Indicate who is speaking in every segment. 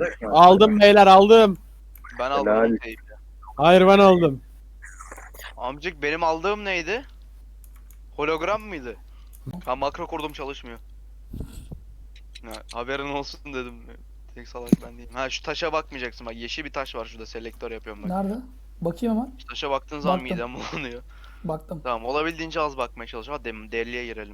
Speaker 1: Aldım beyler aldım.
Speaker 2: Ben aldım
Speaker 3: Helal.
Speaker 2: o teybi.
Speaker 1: Hayır ben aldım.
Speaker 2: Amcık benim aldığım neydi? Hologram mıydı? Ha makro kurdum çalışmıyor. Ha, haberin olsun dedim. Tek salak ben değilim. Ha şu taşa bakmayacaksın bak yeşil bir taş var şurada selektör yapıyorum bak.
Speaker 4: Nerede? Bakayım hemen.
Speaker 2: Şu taşa baktığın zaman
Speaker 4: Baktım.
Speaker 2: midem bulanıyor.
Speaker 4: Baktım.
Speaker 2: Tamam olabildiğince az bakmaya çalış. Hadi deliye girelim.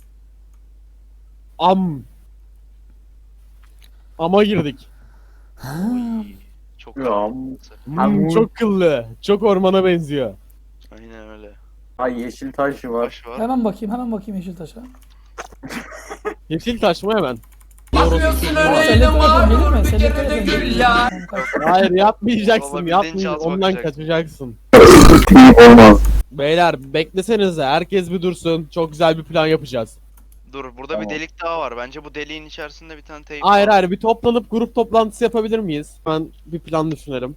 Speaker 1: Ama girdik.
Speaker 2: Oy, çok
Speaker 3: Ya.
Speaker 1: Çok kıllı. Çok ormana benziyor.
Speaker 2: Aynen öyle.
Speaker 3: Ay yeşil taş var.
Speaker 2: Taş var.
Speaker 4: Hemen bakayım Yeşiltaş'a.
Speaker 1: Yeşil taş mı hemen?
Speaker 5: Bakmıyorsun
Speaker 4: Aa,
Speaker 5: öyle
Speaker 4: selektör yapalım,
Speaker 5: ama
Speaker 4: gelir mi?
Speaker 5: bir
Speaker 4: Selektör
Speaker 5: kere de
Speaker 4: yapalım.
Speaker 5: gül ya.
Speaker 4: Tamam, kaç.
Speaker 1: Hayır yapmayacaksın.
Speaker 2: Olabildiğince
Speaker 1: Yapmayacaksın.
Speaker 2: az
Speaker 1: Ondan
Speaker 2: bakacaksın.
Speaker 1: kaçacaksın.
Speaker 3: Olmaz.
Speaker 1: Beyler beklesenize. Herkes bir dursun. Çok güzel bir plan yapacağız.
Speaker 2: Dur burada
Speaker 3: Tamam.
Speaker 2: bir delik daha var. Bence bu deliğin içerisinde bir tane teyp
Speaker 1: Hayır
Speaker 2: var.
Speaker 1: hayır bir toplanıp grup toplantısı yapabilir miyiz? Ben bir plan düşünelim.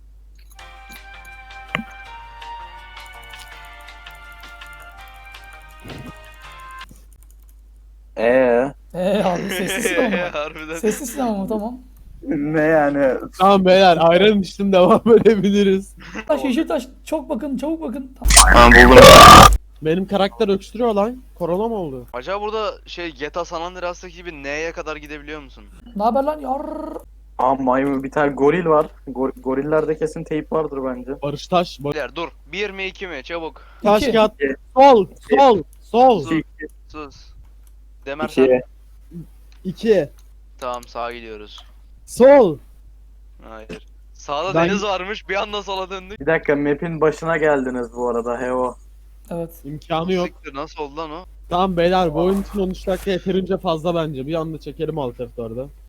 Speaker 4: Abi sessizsin ama.
Speaker 2: Harbiden.
Speaker 4: Sessizsin ama tamam.
Speaker 3: Ne yani?
Speaker 1: Tamam beyler ayran içtim devam edebiliriz.
Speaker 4: Yeşiltaş çok bakın çabuk bakın.
Speaker 2: Ha buldum.
Speaker 1: Benim karakter öksürüyor lan. Korona mı oldu?
Speaker 2: Acaba burada şey GTA San Andreas'taki gibi N'ye kadar gidebiliyor musun?
Speaker 4: Ne haber lan? Yar.
Speaker 3: Aa maymun bir tane goril var. Gorillerde kesin teyp vardır bence.
Speaker 1: Barış Taş.
Speaker 2: Beyler dur. 1 mi 2 mi? Çabuk.
Speaker 1: Taş
Speaker 4: İki.
Speaker 1: kağıt. Sol. Sol. Sol.
Speaker 2: Sus. Sus. Demer sen.
Speaker 3: 2.
Speaker 1: 2.
Speaker 2: Tamam sağa gidiyoruz.
Speaker 1: Sol.
Speaker 2: Hayır. Sağda
Speaker 1: Ben-
Speaker 2: deniz varmış. Bir anda sola döndük.
Speaker 3: Bir dakika map'in başına geldiniz bu arada heo.
Speaker 4: Evet.
Speaker 1: İmkanı yok.
Speaker 2: Siktir, nasıl oldu lan o?
Speaker 1: Tamam beyler bu oyun için 13 dakika yeterince fazla bence. Bir anda çekelim alt F4'de.